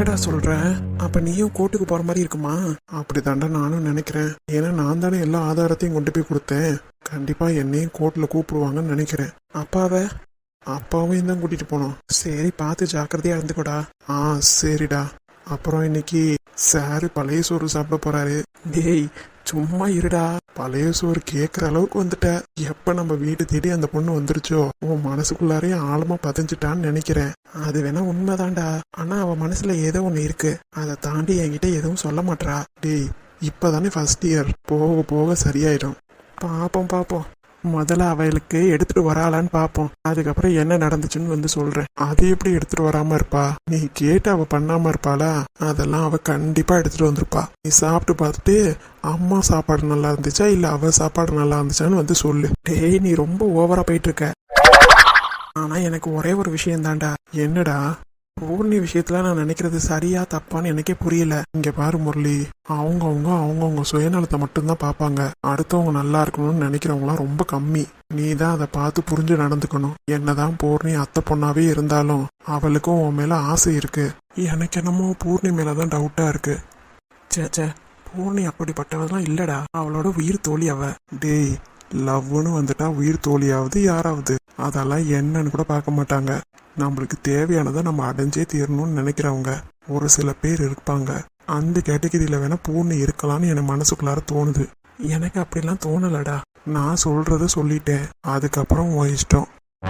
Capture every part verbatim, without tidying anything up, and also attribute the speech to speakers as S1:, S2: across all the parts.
S1: என்னடா சொல்ற? அப்ப நீயும் கோர்ட்டுக்கு போற மாதிரி இருக்குமா? அப்படித்தாண்டா நானும் நினைக்கிறேன். ஏன்னா நான் தானே எல்லா ஆதாரத்தையும் கொண்டு போய் கொடுத்தேன். கண்டிப்பா என்னையும் கோர்ட்ல கூப்பிடுவாங்கன்னு நினைக்கிறேன். அப்பாவை அப்பாவையும் தான் கூட்டிட்டு போனோம். சரி, பார்த்து ஜாக்கிரதையா இருந்துக்கோடா. ஆ சரிடா. அப்புறம் இன்னைக்கு சாரு பழைய சோறு சாப்பிட போறாரு. டேய் சும்மா இருடா. பழைய சோறு கேட்குற அளவுக்கு வந்துட்ட. எப்ப நம்ம வீடு தேடி அந்த பொண்ணு வந்துருச்சோ உன் மனசுக்குள்ளாரையும் ஆழமா பதிஞ்சுட்டான்னு நினைக்கிறேன். அது வேணா உண்மைதான்டா. ஆனா அவ மனசுல ஏதோ ஒண்ணு இருக்கு. அதை தாண்டி என்கிட்ட எதுவும் சொல்ல மாட்டா. டேய் இப்பதானே ஃபர்ஸ்ட் இயர், போக போக சரியாயிடும். பாப்போம் பாப்போம். முதல்ல அவளுக்கு எடுத்துட்டு வராளான்னு பாப்போம். அதுக்கப்புறம் என்ன நடந்துச்சுன்னு வந்து சொல்றேன். அது எப்படி எடுத்துட்டு வராம இருப்பா? நீ கேட்டு அவ பண்ணாம இருப்பாளா? அதெல்லாம் அவ கண்டிப்பா எடுத்துட்டு வந்திருப்பா. நீ சாப்பிட்டு பார்த்துட்டு அம்மா சாப்பாடு நல்லா இருந்துச்சா இல்ல அவ சாப்பாடு நல்லா இருந்துச்சான்னு வந்து சொல்லு. டேய் நீ ரொம்ப ஓவரா போயிட்டு இருக்க. ஆனா எனக்கு ஒரே ஒரு விஷயம் தான்டா. என்னடா? பூர்ணி விஷயத்துல நான் நினைக்கிறது சரியா தப்பான்னு எனக்கே புரியல. இங்க பாரு முரளி, அவங்கவுங்க அவங்கவுங்க சுயநலத்தை மட்டும்தான் பார்ப்பாங்க. அடுத்தவங்க நல்லா இருக்கணும்னு நினைக்கிறவங்களாம் ரொம்ப கம்மி. நீ தான் அதை பார்த்து புரிஞ்சு நடந்துக்கணும். என்னதான் பூர்ணி அத்தை பொண்ணாவே இருந்தாலும் அவளுக்கும் உன் மேல ஆசை இருக்கு. எனக்கு என்னமோ பூர்ணி மேலதான் டவுட்டா இருக்கு. சேச்சே, பூர்ணி அப்படிப்பட்டவெல்லாம் இல்லடா. அவளோட உயிர் தோழி அவ. டேய் லவ்னு வந்துட்டா உயிர் தோழியாவது யாராவது அதெல்லாம் என்னன்னு கூட பார்க்க மாட்டாங்க. நம்மளுக்கு தேவையானதை நம்ம அடைஞ்சே தீரணும்னு நினைக்கிறவங்க ஒரு சில பேர் இருப்பாங்க. அந்த கேட்டகரியில வேணா பூர்ணி இருக்கலாம்னு எனக்கு மனசுக்குள்ளார தோணுது. எனக்கு அப்படிலாம் தோணலடா. நான் சொல்றத சொல்லிட்டேன். அதுக்கப்புறம் உன் இஷ்டம்.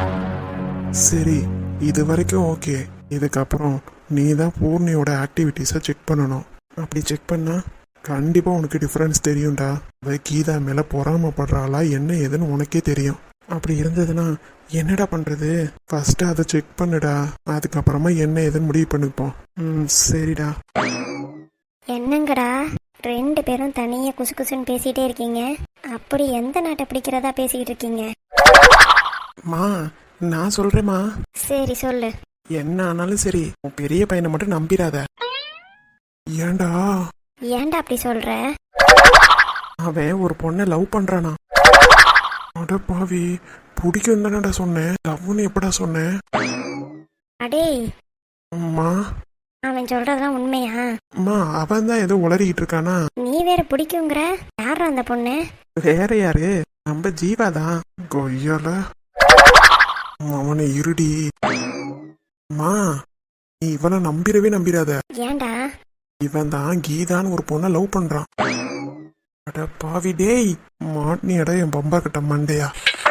S1: சரி, இது வரைக்கும் ஓகே. இதுக்கப்புறம் நீ தான் பூர்ணியோட ஆக்டிவிட்டிஸை செக் பண்ணணும். அப்படி செக் பண்ணா கண்டிப்பா உனக்கு டிஃபரன்ஸ் தெரியும்டா. அவ கீதா மேல பொறாமப்படுறாளா என்ன ஏதுன்னு உனக்கே தெரியும். அப்படி இருந்ததுன்னா என்னடா பண்றது? ஃபர்ஸ்ட் அதை செக் பண்ணுடா. அதுக்கப்புறமா என்ன ஏதுன்னு முடிவு பண்ணிப்போம். ம் சரிடா.
S2: என்னங்கடா ரெண்டு பேரும் தனியா குசு குசுன்னு பேசிட்டே இருக்கீங்க? அப்படி எந்த நாட்டை பிடிக்கிறதா பேசிக்கிட்டு இருக்கீங்க?
S1: மா நான் சொல்றேம்மா.
S2: சரி சொல்லு.
S1: என்ன ஆனாலும் சரி, உன் பெரிய பையனை மட்டும் நம்பிடாத. ஏண்டா?
S2: ஏன்டா அப்படி சொல்ற?
S1: அவன் ஒரு பொண்ணை லவ் பண்றானா? அட பாவி, பிடிக்கும் தானடா சொன்னேன். லவ்னு எப்படா சொன்னேன்?
S2: அடே
S1: அம்மா,
S2: அவன் சொல்றதெல்லாம் உண்மையா?
S1: அம்மா அவன் தான் ஏதோ உளறிக்கிட்டு இருக்கானா?
S2: நீ வேற பிடிக்குங்கிற. யாரா அந்த பொண்ணு?
S1: வேற யாரு? நம்ம ஜீவாதான். கொய்யால அவனை இருடி. அம்மா நீ இவனை நம்பிடவே நம்பிடாத.
S2: ஏன்டா?
S1: இவன் தான் கீதான்னு ஒரு பொண்ணை லவ் பண்றான். அட பாவி டேய், மாட்னியடா என் பம்பா கிட்ட மண்டையா.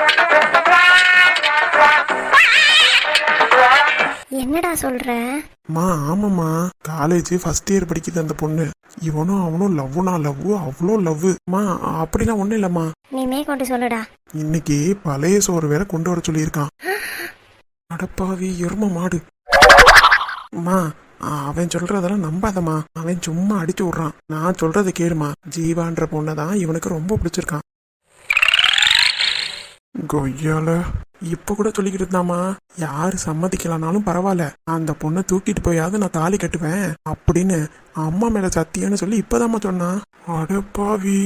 S2: என்னடா சொல்ற?
S1: மா ஆமாம்மா, காலேஜ் ஃபர்ஸ்ட் இயர் படிக்குது அந்த பொண்ணு. இவனும் அவனும் லவ்னா லவ், அவ்வளோ லவ். மா அப்படிலாம் ஒண்ணும் இல்லம்மா.
S2: நீ மேற்கொண்டு சொல்லுடா.
S1: இன்னைக்கு பழைய சோறு வேற கொண்டு வர சொல்லியிருக்கான். அடப்பாவி எரும மாடு. மா அவன் சொல்றதெல்லாம் நம்பாதம்மா. அவன் சும்மா அடிச்சு விடுறான். நான் சொல்றதை கேளுமா. ஜீவான்ற பொண்ணதான் இவனுக்கு ரொம்ப பிடிச்சிருக்கான். கொய்யால இப்ப கூட சொல்லிக்கிட்டு இருந்தாமா, யாரு சம்மதிக்கலனாலும் பரவாயில்ல, அந்த பொண்ணை தூக்கிட்டு போயாவது நான் தாலி கட்டுவேன் அப்படின்னு அம்மா மேல சத்தியன்னு சொல்லி இப்பதாம்மா சொன்னான். அடப்பாவி.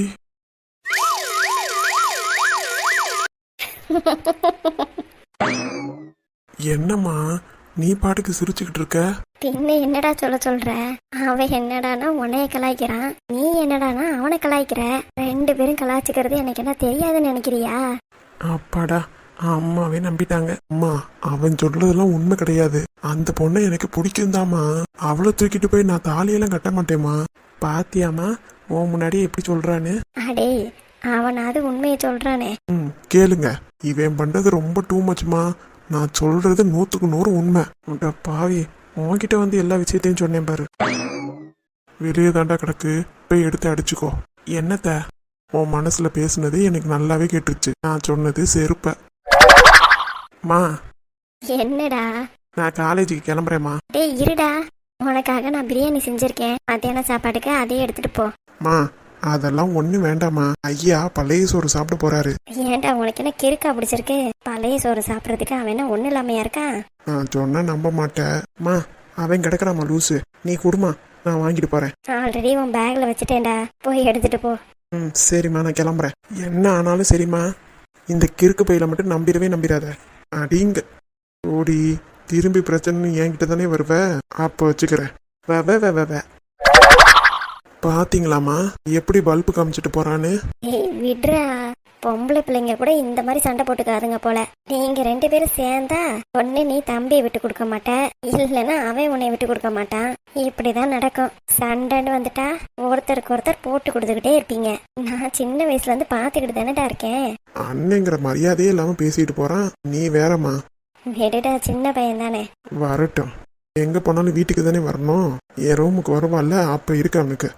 S1: என்னம்மா நீ பாட்டுக்கு சிரிச்சுக்கிட்டு இருக்க?
S2: பின்ன என்னடா சொல்ல சொல்ற? அவன் என்னடானா உன்னைய கலாய்க்கிறான், நீ என்னடானா அவனை கலாய்க்கிற. ரெண்டு பேரும் கலாய்ச்சிக்கிறது எனக்கு என்ன தெரியாதுன்னு நினைக்கிறியா?
S1: அப்பாடா, அம்மாவே நம்பிட்டாங்க. அம்மா அவன் சொல்றதெல்லாம் உண்மை கிடையாது. அந்த பொண்ணை எனக்கு பிடிக்கும்தாம்மா. அவளை தூக்கிட்டு போய் நான் தாலியெல்லாம் கட்ட மாட்டேம்மா. பாத்தியாமா உன் முன்னாடி எப்படி சொல்றான்னு?
S2: அடே அவனாவது உண்மையை சொல்றானே.
S1: ம் கேளுங்க, இவன் பண்றது ரொம்ப டூ மச்மா. நான் சொல்றது நூத்துக்கு நூறு உண்மை. உன்ட பாவி, உன்கிட்ட வந்து எல்லா விஷயத்தையும் சொன்னேன் பாரு. வெளியே தாண்டா கிடக்கு, போய் எடுத்து அடிச்சுக்கோ. என்னத்த உன் மனசுல பேசுனது எனக்கு நல்லாவே கேட்டுருச்சு. நான் சொன்னது செருப்ப. மா
S2: என்னடா?
S1: நான் காலேஜுக்கு கிளம்புறேம்மா.
S2: டேய் இருடா, உனக்காக நான் பிரியாணி செஞ்சிருக்கேன். மத்தியான சாப்பாட்டுக்கு அதையே எடுத்துட்டு போ.
S1: மா அதெல்லாம் ஒண்ணும் வேண்டாமா. ஐயா பழைய சோறு சாப்பிட போறாரு.
S2: ஏன்டா உனக்கு என்ன கிறுக்கா பிடிச்சிருக்கு? பழைய சோறு சாப்பிடறதுக்கு அவன் என்ன ஒண்ணு இல்லாமையா இருக்கான்?
S1: நான் சொன்னா நம்ப மாட்டேன். மா அவன் கிடக்குறாமா லூசு. நீ குடுமா, நான் வாங்கிட்டு போறேன்.
S2: ஆல்ரெடி உன் பேக்ல வச்சுட்டேன்டா, போய் எடுத்துட்டு போ.
S1: ம் சரிம்மா, நான் கிளம்புறேன். என்ன ஆனாலும் சரிம்மா, இந்த கிறுக்கு பையில மட்டும் நம்பிடவே நம்பிடாத. அடிங்க ஓடி திரும்பி பிரச்சனை என்கிட்ட தானே வருவ. அப்போ வச்சுக்கிறேன். வே வே வே வே வே. பாத்தீங்களாமா எப்படி பல்பு காமிச்சிட்டு போறான்னு.
S2: ஏய் விட்றா, பொம்பளை பிள்ளைங்க கூட இந்த மாதிரி சண்டை போட்டுக்காதுங்க போல. நீங்க ரெண்டு பேரும் சேர்ந்தா ஒண்ணு நீ தம்பியை விட்டு கொடுக்க மாட்ட, இல்லைன்னா அவன் உன்னை விட்டு கொடுக்க மாட்டான். இப்படிதான் நடக்கும். சண்டைன்னு வந்துட்டா ஒருத்தருக்கு ஒருத்தர் போட்டு கொடுத்துக்கிட்டே இருப்பீங்க. நான் சின்ன வயசுல இருந்து பாத்துக்கிட்டு தானேடா இருக்கேன்.
S1: அண்ணங்கிற மரியாதையே இல்லாம பேசிட்டு போறான், நீ வேறம்மா.
S2: விடுடா, சின்ன பையன் தானே.
S1: வரட்டும், எங்க போனாலும் வீட்டுக்கு தானே வரணும். என் ரூமுக்கு வருவான்ல, அப்ப இருக்கு அவனுக்கு.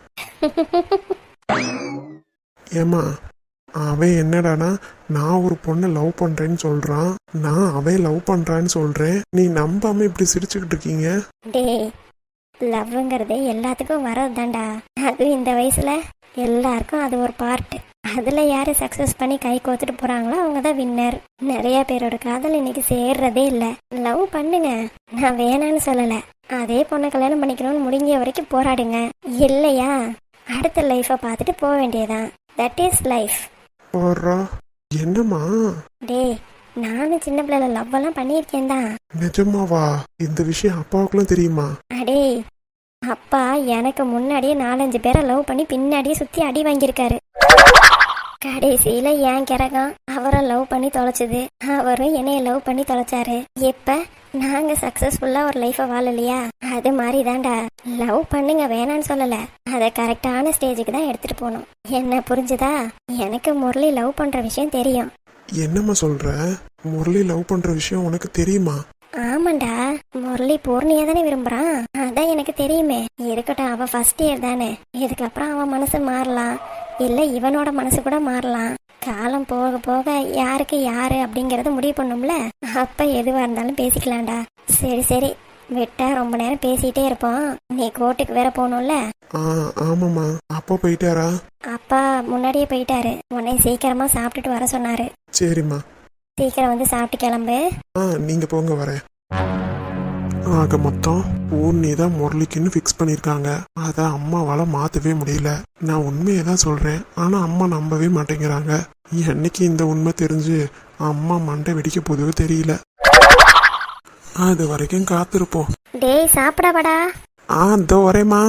S1: ஏமா அவன் என்னடானா நான் ஒரு பொண்ணை லவ் பண்றேன்னு சொல்றான், நான் அவன் லவ் பண்றான்னு சொல்றேன். நீ நம்பாம இப்படி சிரிச்சுக்கிட்டு இருக்கீங்க.
S2: டேய், லவ்ங்கிறது எல்லாத்துக்கும் வர்றது தான்டா. அதுவும் இந்த வயசுல எல்லாருக்கும் அது ஒரு பார்ட். அதுல யாரு சக்சஸ் பண்ணி கை கோத்துட்டு போறாங்களோ அவங்க தான் வின்னர். நிறைய பேரோட காதல் இன்னைக்கு சேர்றதே இல்ல. லவ் பண்ணுங்க, நான் வேணான்னு சொல்லல. அதே பொண்ணை கல்யாணம் பண்ணிக்கணும்னு முடிஞ்ச வரைக்கும் போராடுங்க. இல்லையா அடுத்த லைஃபை பார்த்துட்டு போக வேண்டியதான். That is life.
S1: போறா என்னம்மா?
S2: டேய், நானும் சின்ன பிள்ளைல லவ் எல்லாம் பண்ணியிருக்கேன் தான்.
S1: நிஜமாவா? இந்த விஷயம் அப்பாவுக்குலாம் தெரியுமா?
S2: அடே, அப்பா எனக்கு முன்னாடியே நாலஞ்சு பேரை லவ் பண்ணி பின்னாடியே சுத்தி அடி வாங்கியிருக்காரு. கடைசியில என் கிறகம் அவரை லவ் பண்ணி தொலைச்சது, அவரும் என்னைய லவ் பண்ணி தொலைச்சாரு. இப்ப நாங்க சக்சஸ்ஃபுல்லா ஒரு லைஃபை வாழலையா? அது மாதிரி தான்டா. லவ் பண்ணுங்க, வேணான்னு சொல்லல. அதை கரெக்டான ஸ்டேஜுக்கு தான் எடுத்துட்டு போகணும். என்ன புரிஞ்சுதா? எனக்கு முரளி லவ் பண்ற விஷயம் தெரியும்.
S1: என்னம்மா சொல்ற? முரளி லவ் பண்ற விஷயம் உனக்கு தெரியுமா?
S2: ஆமாண்டா, முரளி பூர்ணியா தானே விரும்புறான். அதான் எனக்கு தெரியுமே. இருக்கட்டும், அவ ஃபர்ஸ்ட் இயர் தானே. இதுக்கப்புறம் அவன் மனசு மாறலாம், இல்ல இவனோட மனசு கூட மாறலாம். காலம் போக போக யாருக்கு யாரு அப்படிங்கறத முடிவு பண்ணும்ல. அப்ப எதுவா இருந்தாலும் பேசிக்கலாம்டா. சரி சரி, விட்டா ரொம்ப நேரம் பேசிட்டே இருப்போம். நீ கோர்ட்டுக்கு வேற போகணும்ல.
S1: ஆ ஆமாம்மா. அப்பா போயிட்டாரா?
S2: அப்பா முன்னாடியே போயிட்டாரு. உன்னை சீக்கிரமா சாப்பிட்டுட்டு வர சொன்னாரு.
S1: சரிம்மா,
S2: சீக்கிரம் வந்து சாப்பிட்டு கிளம்பு.
S1: ஆ நீங்க போங்க, வரேன். ஆக மொத்தம் பூர்ணி தான் முரளிக்குன்னு ஃபிக்ஸ் பண்ணியிருக்காங்க. அதை அம்மாவால மாற்றவே முடியல. நான் உண்மையை தான் சொல்கிறேன், ஆனால் அம்மா நம்பவே மாட்டேங்கிறாங்க. என்னைக்கு இந்த உண்மை தெரிஞ்சு அம்மா மண்டை வெடிக்க போதுவே தெரியல. அது வரைக்கும் காத்திருப்போம்.
S2: டேய், சாப்பிடவாடா.
S1: ஆ இதோ வரேம்மா.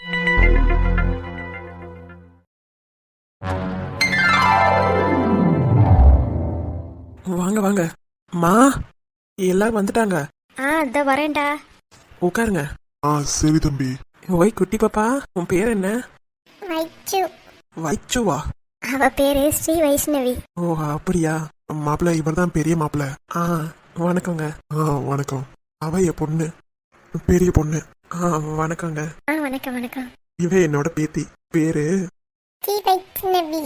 S1: வாங்க வாங்க மா, எல்லாரும் வந்துட்டாங்க.
S2: ஆ இதோ வரேன்டா.
S1: உட்காருங்க.
S3: ஆ சரி தம்பி.
S1: ஓய் குட்டி பாப்பா, உன் பேர் என்ன?
S2: வைச்சு.
S1: வைச்சுவா?
S2: அவ பேரு ஸ்ரீ வைஷ்ணவி.
S1: ஓ அப்படியா? மாப்பிள்ள இவர் தான் பெரிய மாப்பிள்ள. ஆ வணக்கங்க.
S3: ஆ வணக்கம்.
S1: அவ என் பொண்ணு, பெரிய பொண்ணு. ஆ வணக்கங்க.
S2: ஆ வணக்கம் வணக்கம்.
S1: இவ என்னோட பேத்தி. பேரு
S2: ஸ்ரீ வைஷ்ணவி.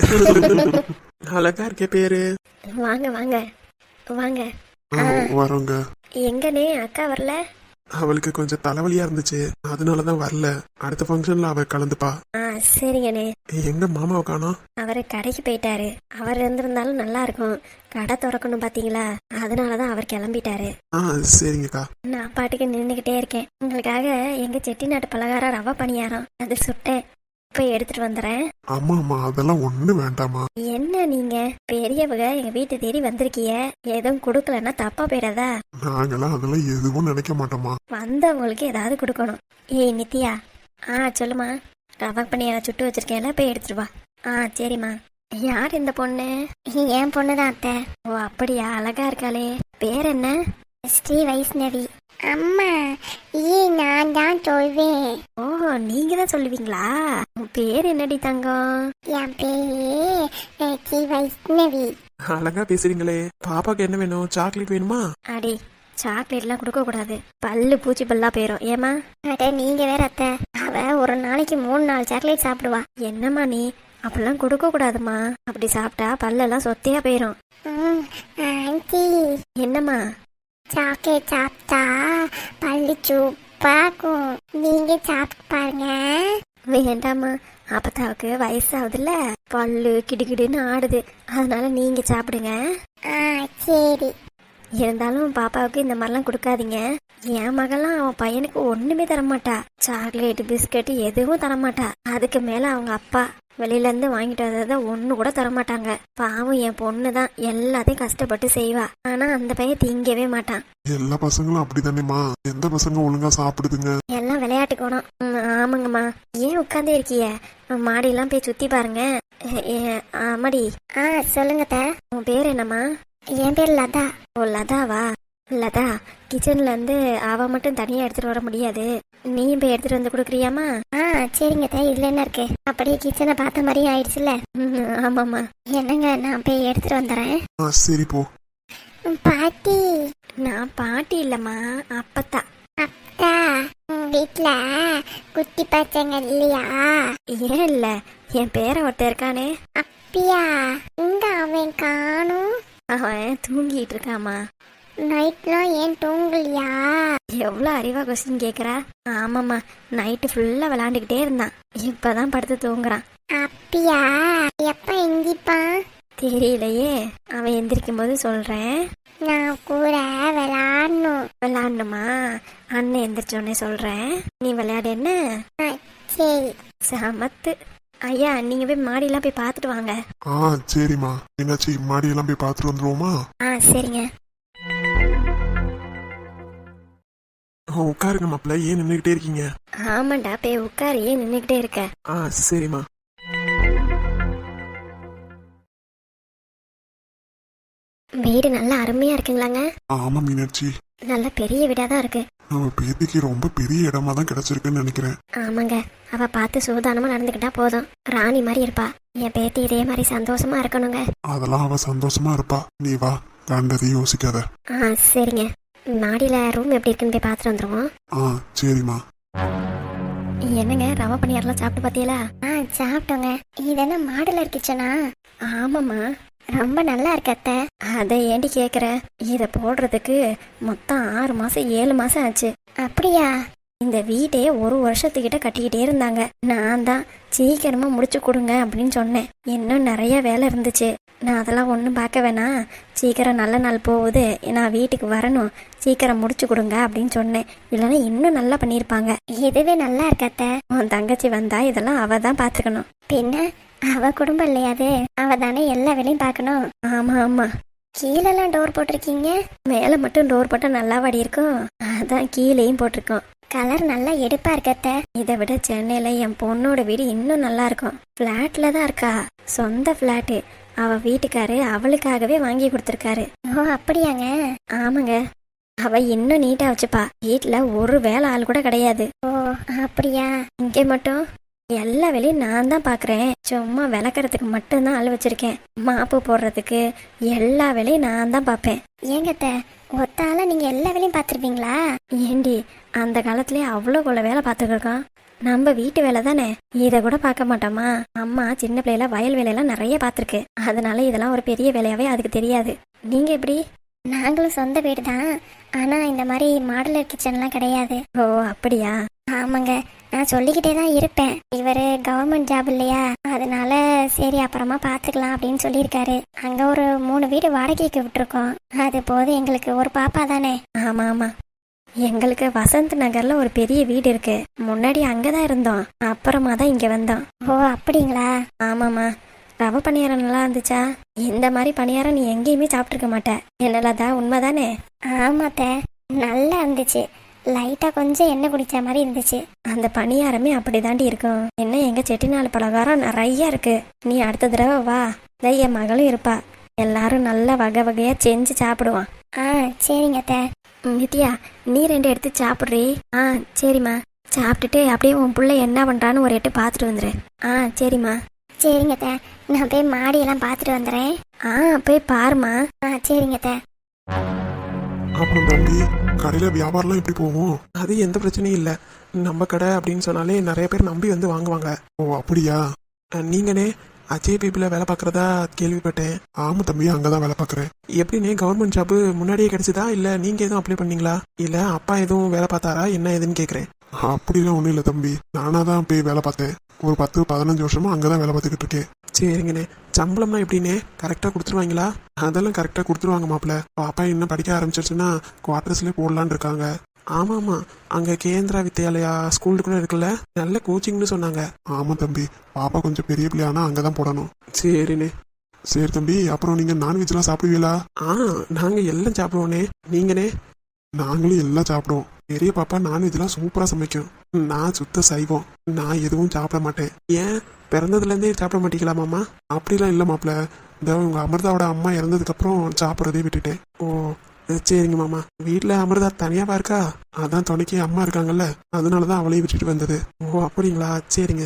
S1: அழகா இருக்கே பேரு.
S2: வாங்க வாங்க வாங்க.
S3: ஆ வரோங்க.
S2: எங்கனே அக்கா வரல?
S1: அவளுக்கு கொஞ்சம் தலைவலியா இருந்துச்சு, அதனாலதான் வரல. அடுத்த ஃபங்க்ஷன்ல அவ கலந்துப்பா.
S2: ஆ சரிங்கண்ணே.
S1: எங்க மாமாவை காணோம்?
S2: அவரு கடைக்கு போயிட்டாரு. அவர் இருந்திருந்தாலும் நல்லா இருக்கும். கடை திறக்கணும் பாத்தீங்களா, அதனாலதான் அவர் கிளம்பிட்டாரு.
S1: ஆ சரிங்கக்கா.
S2: நான் பாட்டுக்கு நின்றுகிட்டே இருக்கேன். உங்களுக்காக எங்க செட்டிநாட்டு பலகாரம் ரவா பணியாரம் அது சுட்டேன், போய் எடுத்துட்டு வந்துடுறேன்.
S3: ஆமா ஆமா, அதெல்லாம் ஒண்ணு வேண்டாமா.
S2: என்ன நீங்க பெரியவங்க எங்க வீட்டு தேடி வந்திருக்கீங்க, எதுவும் கொடுக்கலன்னா தப்பா போயிடாதா?
S3: நாங்களாம் அதெல்லாம் எதுவும் நினைக்க மாட்டோமா.
S2: வந்தவங்களுக்கு ஏதாவது கொடுக்கணும். ஏய் நித்யா. ஆ சொல்லுமா. ரவா பணியாரம் சுட்டு வச்சிருக்கேன்ல, போய் எடுத்துட்டு வா. ஆ சரிம்மா. யார் இந்த பொண்ணு? என் பொண்ணுதான் அத்தை. ஓ அப்படியா, அழகா இருக்காளே. பேர் என்ன? ஸ்ரீ வைஷ்ணவி. அம்மா ஏ நான் தான் சொல்வேன். ஓ நீங்க தான் சொல்லுவீங்களா? உன் பேர் என்னடி தங்கம்? என் பேரு ஸ்ரீ வைஷ்ணவி.
S1: அழகா பேசுறீங்களே. பாப்பாக்கு என்ன வேணும்? சாக்லேட் வேணுமா?
S2: அடி, சாக்லேட்லாம் கொடுக்க கூடாது, பல்லு பூச்சி பல்லா போயிரும். ஏமா? அட நீங்க வேற அத்தை, அவ ஒரு நாளைக்கு மூணு நாலு சாக்லேட் சாப்பிடுவா. என்னம்மா நீ அப்படிலாம் கொடுக்க கூடாதுமா. அப்படி சாப்பிட்டா பல்லெல்லாம் சொத்தையா போயிரும். என்னம்மா? சாக்லேட் சாப்பிட்டா பல்லு சூப்பாக்கும், நீங்க சாப்பிட்டு பாருங்க. வேண்டாமா, அப்பத்தாவுக்கு வயசாகுதுல்ல, பல்லு கிடுகிடுன்னு ஆடுது, அதனால நீங்க சாப்பிடுங்க. சரி. இருந்தாலும் பாப்பாவுக்கு இந்த மாதிரிலாம் கொடுக்காதீங்க. என் மகள்லாம் அவன் பையனுக்கு ஒண்ணுமே தரமாட்டா. சாக்லேட் பிஸ்கட் எதுவும் தரமாட்டா. அதுக்கு மேல அவங்க அப்பா வெளியில இருந்து வாங்கிட்டு வந்ததை ஒண்ணு கூட தரமாட்டாங்க. பாவம் என் பொண்ணுதான் எல்லாத்தையும் கஷ்டப்பட்டு செய்வா. ஆனா அந்த பையன் திங்கவே மாட்டான்.
S3: எல்லா பசங்களும் அப்படித்தானேமா. எந்த பசங்க ஒழுங்கா சாப்பிடுதுங்க?
S2: எல்லாம் விளையாட்டு குணம். உட்காந்தே இருக்கிய மாடியெல்லாம் போய் சுத்தி பாருங்க. எ- எ- ஆமாடி. ஆ சொல்லுங்க அத்தை. உன் பேர் என்னம்மா? என் பேர் லதா. ஓ லதாவா? லதா, கிச்சன்ல இருந்து அவ மட்டும் தனியா எடுத்துட்டு வர முடியாது, நீயும் போய் எடுத்துட்டு வந்து கொடுக்குறியாமா? ஆ சரிங்க அத்தை, இதுல என்ன இருக்கு, அப்படியே கிச்சனை பார்த்த மாதிரி ஆயிடுச்சுல. ஆமாம்மா. என்னங்க, நான் போய் எடுத்துட்டு வந்துடுறேன்.
S3: ஆ சரி போ.
S2: பாட்டி. நான் பாட்டி இல்லம்மா, அப்பத்தா. அப்பா, வீட்ல குட்டி பச்சைங்க இல்லையா? ஏன் இல்ல, என் பேர ஒருத்தர் இருக்கானே. அப்படியா? இங்க அவன் காணும். அவன் தூங்கிட்டு இருக்காமா. நைட்லாம் ஏன் தூங்கலையா? எவ்வளோ அறிவா கொஸ்டின் கேட்குறா. ஆமாம்மா, நைட்டு ஃபுல்லாக விளாண்டுக்கிட்டே இருந்தான், இப்போதான் படுத்து தூங்குறான். அப்படியா? எப்போ எந்திப்பான்? தெரியலையே, அவன் எந்திரிக்கும் போது சொல்கிறேன். நான் கூட விளாடணும். விளாடணுமா? அண்ணன் எந்திரிச்சோடனே சொல்கிறேன், நீ விளையாடு என்ன. சரி. சமத்து. ஐயா, நீங்கள் போய் மாடியெல்லாம் போய் பார்த்துட்டு வாங்க.
S3: ஆ சரிம்மா. என்னாச்சு, மாடியெல்லாம் போய் பார்த்துட்டு வந்துருவோமா?
S2: ஆ சரிங்க.
S1: ஆ, உட்காருங்க மாப்பிள்ள, ஏன் நின்றுக்கிட்டே இருக்கீங்க?
S2: ஆமாண்டா, போய் உட்காரு, ஏன் நின்றுக்கிட்டே இருக்க?
S1: ஆ சரிம்மா.
S2: வீடு நல்லா அருமையா இருக்குங்களாங்க?
S3: ஆமா மீனாட்சி,
S2: நல்ல பெரிய வீடா தான் இருக்கு.
S3: நம்ம பேத்திக்கு ரொம்ப பெரிய இடமா தான் கிடைச்சிருக்குன்னு நினைக்கிறேன்.
S2: ஆமாங்க, அவ பார்த்து சூதானமா நடந்துக்கிட்டா போதும், ராணி மாதிரி இருப்பா. என் பேத்தி இதே மாதிரி சந்தோஷமா இருக்கணுங்க.
S3: அதெல்லாம் அவ சந்தோஷமா இருப்பா, நீ வா, கண்டதையும் யோசிக்காத.
S2: ஆ சரிங்க. மாடியில ரூம் எப்படி இருக்குன்னு போய் பார்த்துட்டு வந்துருவோம்.
S3: ஆ சரிம்மா.
S2: என்னங்க, ரவா பணியாரெல்லாம் சாப்பிட்டு பார்த்தீங்களா? ஆ சாப்பிட்டோங்க. இது என்ன மாடுலர் கிச்சனா? ஆமாம்மா, ரொம்ப நல்லா இருக்கு அத்தை. அதை ஏண்டி கேட்குற, இதை போடுறதுக்கு மொத்தம் ஆறு மாசம் ஏழு மாசம் ஆச்சு. அப்படியா? இந்த வீட்டே ஒரு வருஷத்துக்கிட்ட கட்டிக்கிட்டே இருந்தாங்க. நான் தான் சீக்கிரமா முடிச்சு கொடுங்க அப்படின்னு சொன்னேன். இன்னும் நிறைய வேலை இருந்துச்சு. நான் அதெல்லாம் ஒன்றும் பார்க்க வேணாம், சீக்கிரம் நல்ல நாள் போகுது, நான் வீட்டுக்கு வரணும், சீக்கிரம் முடிச்சு கொடுங்க அப்படின்னு சொன்னேன். இல்லைன்னா இன்னும் நல்லா பண்ணியிருப்பாங்க. இதுவே நல்லா இருக்காத்த. உன் தங்கச்சி வந்தா இதெல்லாம் அவ தான் பார்த்துக்கணும். பின்ன அவ குடும்பம் இல்லையாது, அவ தானே எல்லா வேலையும் பார்க்கணும். ஆமா ஆமா. கீழெல்லாம் டோர் போட்டிருக்கீங்க, மேலே மட்டும் டோர் போட்டால் நல்லா வாடி இருக்கும், அதான் கீழேயும் போட்டிருக்கோம். கலர் நல்லா எடுப்பா இருக்கத்த. இதை விட சென்னையில என் பொண்ணோட வீடு இன்னும் நல்லா இருக்கும். பிளாட்ல தான் இருக்கா, சொந்த பிளாட்டு. அவ வீட்டுக்காரு அவளுக்காகவே வாங்கி கொடுத்துருக்காரு. ஓ அப்படியாங்க? ஆமாங்க. அவ இன்னும் நீட்டா வச்சுப்பா, வீட்டுல ஒரு வேலை ஆள் கூட கிடையாது. ஓ அப்படியா? இங்கே மட்டும் எல்லா வேலையும் நான் தான் பாக்குறேன். சும்மா விளக்கறதுக்கு மட்டும்தான் ஆள் வச்சிருக்கேன், மாப்பு போடுறதுக்கு எல்லா வேலையும் நான் தான் பாப்பேன். ஏங்கத்த, ஒத்தால நீங்க எல்லா வேலையும் பாத்துருப்பீங்களா? ஏண்டி, அந்த காலத்திலேயே அவ்வளோ கொள்ள வேலை பார்த்துருக்கோம். நம்ம வீட்டு வேலை தானே, இதை கூட பார்க்க மாட்டோமா? அம்மா சின்ன பிள்ளைல வயல் வேலையெல்லாம் நிறைய பார்த்துருக்கு, அதனால இதெல்லாம் ஒரு பெரிய வேலையாவே அதுக்கு தெரியாது. நீங்க எப்படி? நாங்களும் சொந்த வீடு தான், ஆனா இந்த மாதிரி மாடுலர் கிச்சன்லாம் கிடையாது. ஓ அப்படியா? ஆமாங்க, நான் சொல்லிக்கிட்டே தான் இருப்பேன். இவரு கவர்மெண்ட் ஜாப் இல்லையா, அதனால சரி அப்புறமா பாத்துக்கலாம் அப்படின்னு சொல்லியிருக்காரு. அங்க ஒரு மூணு வீடு வாடகைக்கு விட்டுருக்கோம், அது போது எங்களுக்கு ஒரு பாப்பா தானே. ஆமா ஆமா. எங்களுக்கு வசந்த் நகர்ல ஒரு பெரிய வீடு இருக்கு, முன்னாடி அங்கதான் இருந்தோம், அப்புறமா தான் இங்க வந்தோம். ஓ அப்படிங்களா? ஆமாமா. ரவை பணியாரம் நல்லா இருந்துச்சா? இந்த மாதிரி பணியாரம் நீ எங்கேயுமே சாப்பிட்டுருக்க மாட்ட, என்னலாதா உண்மைதானே? ஆமாத்த, நல்லா இருந்துச்சு. லைட்டா கொஞ்சம் எண்ணெய் குடிச்ச மாதிரி இருந்துச்சு. அந்த பணியாரமே அப்படிதாண்டி இருக்கும். என்ன, எங்க செட்டிநாடு பலகாரம் நிறைய இருக்கு. நீ அடுத்த தடவை வா, என் மகளும் இருப்பா, எல்லாரும் நல்ல வகை வகையா செஞ்சு சாப்பிடுவான். ஆ சரிங்க அத்தை. நித்யா, நீ ரெண்டு எடுத்து சாப்பிட்றீ. ஆ சரிம்மா. சாப்பிட்டுட்டு அப்படியே உன் பிள்ளை என்ன பண்றான்னு ஒரு எட்டு பார்த்துட்டு வந்துரு. ஆ சரிம்மா. சரிங்க அத்தை, நான் போய் மாடியெல்லாம் பார்த்துட்டு வந்துடுறேன். ஆ போய் பாருமா. ஆ சரிங்க அத்தை.
S3: அப்புறம் தம்பி, கடையில வியாபாரம்லாம் எப்படி போகும்?
S1: அது எந்த பிரச்சனையும் இல்லை, நம்ம கடை அப்படின்னு சொன்னாலே நிறைய பேர் நம்பி வந்து வாங்குவாங்க.
S3: ஓ அப்படியா?
S1: அஹ், நீங்கனே அஜய் பேபியில் வேலை பார்க்குறதா கேள்விப்பட்டேன்.
S3: ஆமா தம்பி, அங்கதான் வேலை பார்க்கறேன்.
S1: எப்படின்னே, கவர்மெண்ட் ஜாப்பு முன்னாடியே கிடைச்சதா, இல்லை நீங்கள் எதுவும் அப்ளை பண்ணீங்களா, இல்லை அப்பா எதுவும் வேலை பார்த்தாரா, என்ன ஏதுன்னு கேட்குறேன்.
S3: அப்படிலாம் ஒண்ணும் இல்லை தம்பி, நானா தான் போய் வேலை பார்த்தேன். ஒரு பத்து பதினஞ்சு வருஷமா அங்கதான் வேலை பார்த்துக்கிட்டு இருக்கேன்.
S1: சரிங்கண்ணே. சம்பளம்னா எப்படின்னே, கரெக்டாக கொடுத்துருவாங்களா? அதெல்லாம் கரெக்டாக கொடுத்துருவாங்க மாப்பிள்ள. பாப்பா இன்னும் படிக்க ஆரம்பிச்சிருச்சுன்னா குவார்டர்ஸ்லேயே போடலான்னு இருக்காங்க. ஆமாம் ஆமாம், அங்கே கேந்திரா வித்யாலயா ஸ்கூல் கூட இருக்குல்ல, நல்ல கோச்சிங்னு சொன்னாங்க.
S3: ஆமா தம்பி, பாப்பா கொஞ்சம் பெரிய பிள்ளையானா அங்கதான் போடணும்.
S1: சரிண்ணே.
S3: சரி தம்பி, அப்புறம் நீங்க நான்வெஜ்லாம் சாப்பிடுவீங்களா?
S1: ஆ நாங்கள் எல்லாம் சாப்பிடுவோண்ணே. நீங்கண்ணே?
S3: நாங்களும் எல்லாம் சாப்பிடுவோம். பெரிய பாப்பா நான்வெஜ்லாம் சூப்பரா சமைக்கும். நான் சுத்த சைவம். நான் எதுவும் சாப்பிட மாட்டேன்.
S1: ஏன் பிறந்ததுல இருந்தே சாப்பிட மாட்டீங்களா மாமா?
S3: அப்படிலாம் இல்லை மாப்பிள்ள. இந்த உங்க அமிர்தாவோட அம்மா இறந்ததுக்கு அப்புறம் சாப்பிட்றதே விட்டுட்டேன்.
S1: ஓ சரிங்க மாமா. வீட்டில் அமிர்தா தனியாவா இருக்கா?
S3: அதான் துணைக்கு அம்மா இருக்காங்கல்ல, அதனாலதான் அவளையும் விட்டுட்டு வந்தது.
S1: ஓ அப்படிங்களா, சரிங்க.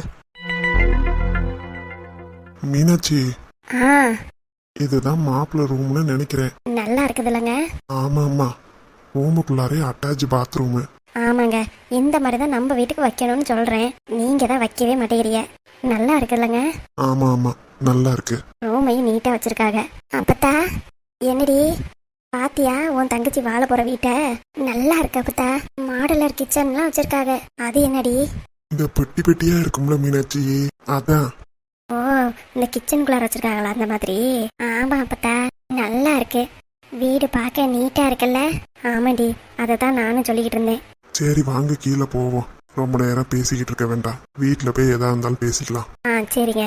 S3: மீனாட்சி,
S2: ஆ
S3: இதுதான் மாப்பிள்ள ரூம்னு நினைக்கிறேன்.
S2: நல்லா இருக்குது இல்லைங்க?
S3: ஆமா ஆமா, ரூமுக்குள்ளாரே அட்டாச் பாத்ரூமு.
S2: ஆமாங்க, இந்த மாதிரி தான் நம்ம வீட்டுக்கு வைக்கணும்னு சொல்றேன். நீங்க தான் வைக்கவே மாட்டேங்கிறீங்க. நல்லா இருக்குல்லங்க?
S3: ஆமா ஆமா, நல்லா இருக்கு.
S2: ரூமையும் நீட்டா வச்சிருக்காங்க. அப்பத்தா என்னடி பாத்தியா உன் தங்கச்சி வாழ போற வீட்டை? நல்லா இருக்கு அப்பத்தா. மாடலர் கிச்சன்லாம் வச்சிருக்காங்க. அது என்னடி?
S3: இந்த பெட்டி பெட்டியா இருக்கும்ல மீனாட்சி, அதான்.
S2: ஓ, இந்த கிச்சனுக்குள்ளார வச்சிருக்காங்களா அந்த மாதிரி? ஆமா அப்பத்தா, நல்லா இருக்கு. வீடு பார்க்க நீட்டா இருக்குல்ல? ஆமாடி, அதை தான் நானும் சொல்லிக்கிட்டு இருந்தேன்.
S3: சரி வாங்க கீழே போவோம். ரொம்ப நேரம் பேசிக்கிட்டு இருக்க வேண்டாம். வீட்டில் போய் எதா இருந்தாலும் பேசிக்கலாம்.
S2: ஆ சரிங்க.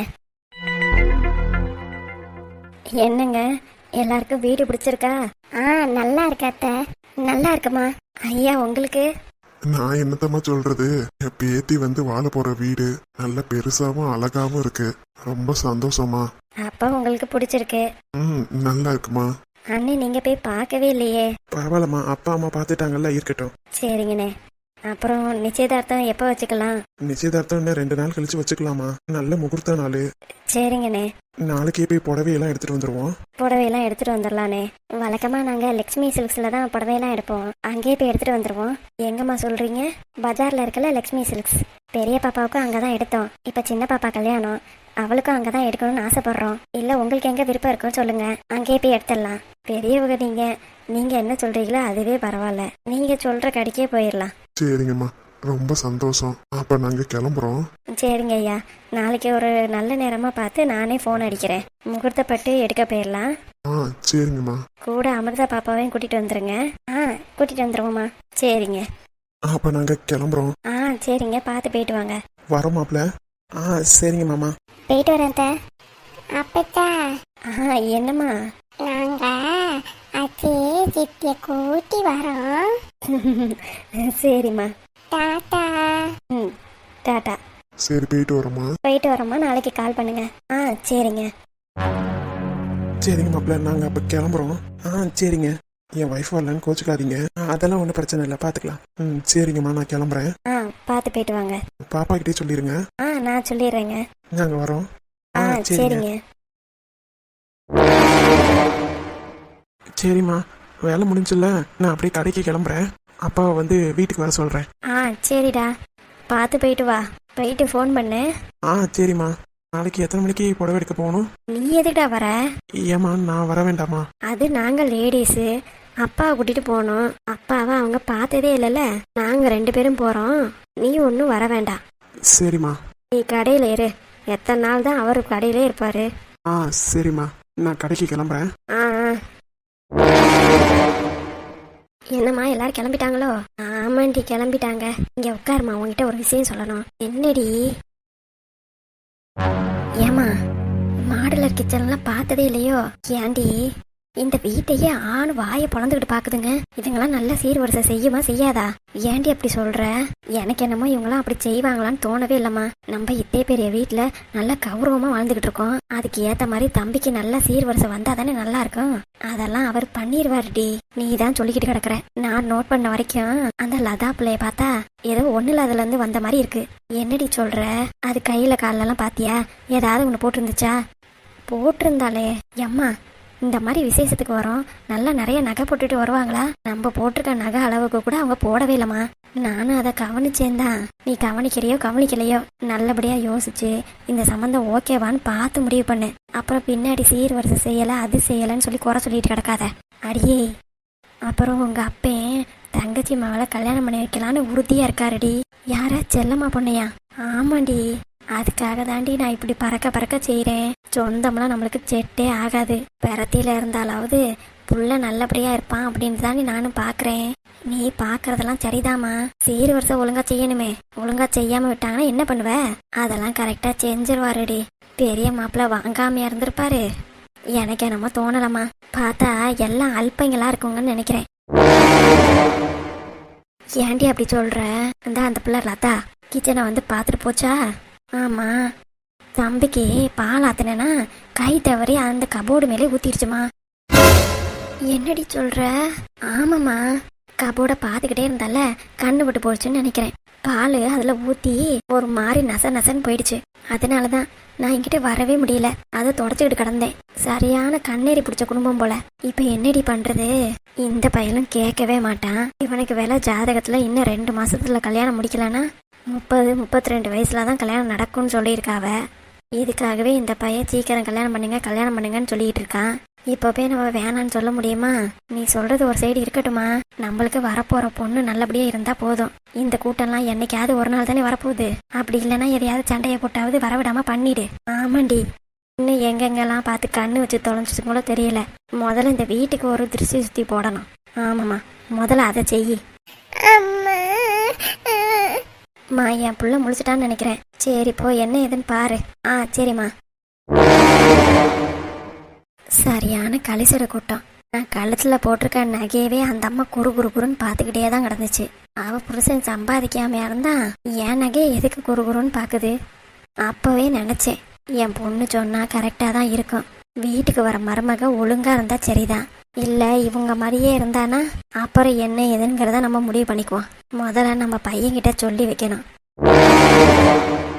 S2: என்னங்க எல்லாருக்கும் வீடு பிடிச்சிருக்கா? ஆ நல்லா இருக்கு அத்தை. நல்லா இருக்குமா? ஐயா உங்களுக்கு?
S3: நான் என்னத்தம்மா சொல்றது, என் பேத்தி வந்து வாழ போற வீடு நல்ல பெருசாவும் அழகாவும் இருக்கு. ரொம்ப சந்தோஷமா.
S2: அப்பா உங்களுக்கு பிடிச்சிருக்கு?
S3: ம் நல்லா இருக்குமா.
S2: அண்ணே நீங்க போய் பார்க்கவே இல்லையே?
S1: பரவாயில்லம்மா, அப்பா அம்மா பார்த்துட்டாங்கல்ல, இருக்கட்டும்.
S2: சரிங்கண்ணே. அப்புறம் நிச்சயதார்த்தம் எப்போ வச்சுக்கலாம்?
S1: நிச்சயதார்த்தம் இன்னும் ரெண்டு நாள் கழிச்சு வச்சுக்கலாமா? நல்ல முகூர்த்த நாள்.
S2: சரிங்கண்ணே.
S1: நாளைக்கே போய் புடவையெல்லாம் எடுத்துட்டு வந்துருவோம்.
S2: புடவையெல்லாம் எடுத்துட்டு வந்துடலானே. வழக்கமா நாங்க லக்ஷ்மி சில்க்ஸ்ல தான் புடவையெல்லாம் எடுப்போம். அங்கேயே போய் எடுத்துட்டு வந்துருவோம். எங்கம்மா சொல்றீங்க? பஜார்ல இருக்கல லக்ஷ்மி சில்க்ஸ். பெரிய பாப்பாவுக்கும் அங்கதான் எடுத்தோம். இப்ப சின்ன பாப்பா கல்யாணம், அவளுக்கும் அங்கதான் எடுக்கணும்னு ஆசைப்படுறோம். இல்ல உங்களுக்கு எங்க விருப்பம் இருக்குன்னு சொல்லுங்க, அங்கேயே போய் எடுத்துடலாம். பெரியவங்க நீங்க நீங்க என்ன சொல்றீங்களோ அதுவே பரவாயில்ல. நீங்க சொல்ற கடைக்கே போயிடலாம்.
S3: சரிங்கம்மா, ரொம்ப சந்தோஷம். அப்ப நாங்க கிளம்புறோம்.
S2: சரிங்க ஐயா, நாளைக்கு ஒரு நல்ல நேரமா பார்த்து நானே போன் அடிக்கிறேன். முகூர்த்தப்பட்டு எடுக்க போயிடலாம்.
S3: ஆ சரிங்கம்மா.
S2: கூட அமிர்தா பாப்பாவையும் கூட்டிட்டு வந்துருங்க. ஆ கூட்டிட்டு வந்துருவோம்மா. சரிங்க.
S1: அப்ப நாங்க கிளம்புறோம்.
S2: ஆ சரிங்க, பார்த்து போயிட்டு வாங்க.
S1: வரோம் மாப்பிள்ள. ஆ சரிங்க மாமா.
S2: போயிட்டு வரேன் அத்தை. அப்பத்தா. ஆ என்னம்மா? நாங்க அச்சே சித்திய கூட்டி வரோம். சரிம்மா. டாடா. ம் டாடா.
S3: சரி போயிட்டு வரோமா.
S2: போயிட்டு வரோம்மா, நாளைக்கு கால் பண்ணுங்க. ஆ சரிங்க.
S1: சரிங்க மாப்பிள்ள, நாங்க அப்ப கிளம்புறோம். ஆ சரிங்க. என் ஒய்ஃப் வரலன்னு கோச்சுக்காதீங்க. அதெல்லாம் ஒன்றும் பிரச்சனை இல்லை, பார்த்துக்கலாம். ம் சரிங்கம்மா, நான் கிளம்புறேன்.
S2: ஆ பார்த்து போயிட்டு வாங்க.
S1: பாப்பா கிட்டே சொல்லிடுங்க.
S2: ஆ நான் சொல்லிடுறேங்க.
S1: நாங்க வரோம்.
S2: ஆ சரிங்க.
S1: சரிம்மா, வேலை முடிஞ்சுல, நான் அப்படியே கடைக்கு கிளம்புறேன். அப்பாவை வந்து வீட்டுக்கு வர சொல்றேன்.
S2: ஆ சரிடா, பார்த்து போயிட்டு வா. போயிட்டு ஃபோன் பண்ணு.
S1: ஆ சரிம்மா. நாளைக்கு எத்தனை மணிக்கு புடவை எடுக்க போகணும்?
S2: நீ எதுக்குடா வர?
S1: ஏம்மா, நான் வர வேண்டாமா?
S2: அது நாங்க லேடிஸு, அப்பாவை கூட்டிட்டு போனோம். அப்பாவை அவங்க பார்த்ததே இல்லைல்ல, நாங்க ரெண்டு பேரும் போறோம். நீ ஒன்றும் வர வேண்டாம்.
S1: சரிம்மா.
S2: நீ கடையில இரு. எத்தனை நாள் தான் அவர் கடையிலே இருப்பாரு.
S1: ஆ சரிம்மா, நான் கடைக்கு கிளம்புறேன்.
S2: ஆ ஆ. என்னம்மா எல்லாரும் கிளம்பிட்டாங்களோ? ஆமாண்டி கிளம்பிட்டாங்க. இங்க உட்காருமா, உங்ககிட்ட ஒரு விஷயம் சொல்லணும். என்னடி? ஏமா மாடலர் கிச்சன்லாம் பார்த்ததே இல்லையோ? ஏண்டி இந்த வீட்டையே ஆண் வாயை பொழந்துக்கிட்டு பாக்குதுங்க. இதுங்கெல்லாம் நல்ல சீர்வரிசை செய்யுமா செய்யாதா? ஏண்டி அப்படி சொல்ற? எனக்கு என்னமோ இவங்கெல்லாம் அப்படி செய்வாங்களான்னு தோணவே இல்லம்மா. நம்ம இத்தே பெரிய வீட்டுல நல்ல கௌரவமா வாழ்ந்துகிட்டு இருக்கோம். அதுக்கு ஏத்த மாதிரி தம்பிக்கு நல்ல சீர்வரிசை வந்தா தானே நல்லா இருக்கும். அதெல்லாம் அவர் பண்ணிடுவாருடி. நீ தான் சொல்லிக்கிட்டு கிடக்குற. நான் நோட் பண்ண வரைக்கும் அந்த லதா பிள்ளைய பார்த்தா ஏதோ ஒண்ணுல அதுல இருந்து வந்த மாதிரி இருக்கு. என்னடி சொல்ற? அது கையில கால எல்லாம் பாத்தியா? ஏதாவது ஒண்ணு போட்டிருந்துச்சா? போட்டிருந்தாலே எம்மா, இந்த மாதிரி விசேஷத்துக்கு வரோம், நல்லா நிறைய நகை போட்டுட்டு வருவாங்களா? நம்ம போட்டிருக்க நகை அளவுக்கு கூட அவங்க போடவே இல்லம்மா. நானும் அதை கவனிச்சேன்தான். நீ கவனிக்கிறையோ கவனிக்கலையோ, நல்லபடியா யோசிச்சு இந்த சம்பந்தம் ஓகேவான்னு பார்த்து முடிவு பண்ணு. அப்புறம் பின்னாடி சீர்வரிசை செய்யல அது செய்யலன்னு சொல்லி குறை சொல்லிட்டு கிடக்காத. அடியே, அப்புறம் உங்க அப்பே தங்கச்சி மகளை கல்யாணம் பண்ணி வைக்கலான்னு உறுதியா இருக்காருடி. யாரா? செல்லம்மா பொண்ணையா? ஆமாண்டி. அதுக்காக தாண்டி நான் இப்படி பறக்க பறக்க செய்யறேன். சொந்தம்லாம் நம்மளுக்கு செட்டே ஆகாது. பெறத்தில இருந்தாலாவது புள்ள நல்லபடியா இருப்பான் அப்படின்னு தானே நானும் பாக்குறேன். நீ பாக்குறதெல்லாம் சரிதாமா. சீர் வருஷம் ஒழுங்கா செய்யணுமே. ஒழுங்கா செய்யாம விட்டாங்கன்னா என்ன பண்ணுவ? அதெல்லாம் கரெக்டா செஞ்சிருவாருடி. பெரிய மாப்பிள்ள வாங்காமையா இருந்திருப்பாரு. எனக்கு என்னமோ தோணலம்மா. பார்த்தா எல்லாம் அல்பங்களா இருக்குங்கன்னு நினைக்கிறேன். ஏன்டி அப்படி சொல்ற? இந்த அந்த பிள்ளை லதா கிச்சனை வந்து பார்த்துட்டு போச்சா? ஆமா, தம்பிக்கு பால் ஆத்தினா கை தவறி அந்த கபோர்டு மேலே ஊத்திடுச்சுமா. என்னடி சொல்ற? ஆமாம்மா, கபோர்டை பார்த்துக்கிட்டே இருந்தால கண்ணு விட்டு போச்சுன்னு நினைக்கிறேன். பால் அதில் ஊற்றி ஒரு மாதிரி நச நசன்னு போயிடுச்சு. அதனால தான் நான் என்கிட்ட வரவே முடியல. அதை தொடச்சிக்கிட்டு கிடந்தேன். சரியான கண்ணேறி பிடிச்ச குடும்பம் போல. இப்போ என்னடி பண்ணுறது? இந்த பையனும் கேட்கவே மாட்டான். இவனுக்கு வேலை ஜாதகத்தில் இன்னும் ரெண்டு மாசத்துல கல்யாணம் முடிக்கலன்னா முப்பது முப்பத்தி ரெண்டு வயசுல தான் கல்யாணம் நடக்கும்னு சொல்லியிருக்காவ. இதுக்காகவே இந்த பையன் சீக்கிரம் கல்யாணம் பண்ணுங்க கல்யாணம் பண்ணுங்கன்னு சொல்லிட்டு இருக்கான். இப்போ போய் நம்ம வேணான்னு சொல்ல முடியுமா? நீ சொல்றது ஒரு சைடு இருக்கட்டுமா, நம்மளுக்கு வரப்போற பொண்ணு நல்லபடியா இருந்தா போதும். இந்த கூட்டம்லாம் என்னைக்காவது ஒரு நாள் தானே வரப்போகுது. அப்படி இல்லைன்னா எதையாவது சண்டையை போட்டாவது வரவிடாம பண்ணிடு. ஆமாண்டி, இன்னும் எங்கெங்கெல்லாம் பார்த்து கண்ணு வச்சு தொலைஞ்சது கூட தெரியல. முதல்ல இந்த வீட்டுக்கு ஒரு திருஷ்டி சுத்தி போடணும். ஆமாம்மா, முதல்ல அதை செய். மா, என் புள்ள முழிச்சிட்டான்னு நினைக்கிறேன். சரி போ, என்ன ஏதுன்னு பாரு. ஆ சரிம்மா. சரியான கலிசட கூட்டம். நான் கழுத்துல போட்டிருக்க நகையவே அந்த அம்மா குறு குறு குறுன்னு பார்த்துக்கிட்டே தான் கிடந்துச்சு. அவ புருஷன் சம்பாதிக்காமையா இருந்தா என் நகையை எதுக்கு குறு குறுன்னு பார்க்குது? அப்பவே நினைச்சேன், என் பொண்ணு சொன்னா கரெக்டா தான் இருக்கும். வீட்டுக்கு வர மருமக ஒழுங்கா இருந்தா சரிதான். இல்ல இவங்க மாதிரியே இருந்தானா அப்புறம் என்ன ஏதுங்கிறத நம்ம முடிவு பண்ணிக்குவோம். முதல்ல நம்ம பையன்கிட்ட சொல்லி வைக்கணும்.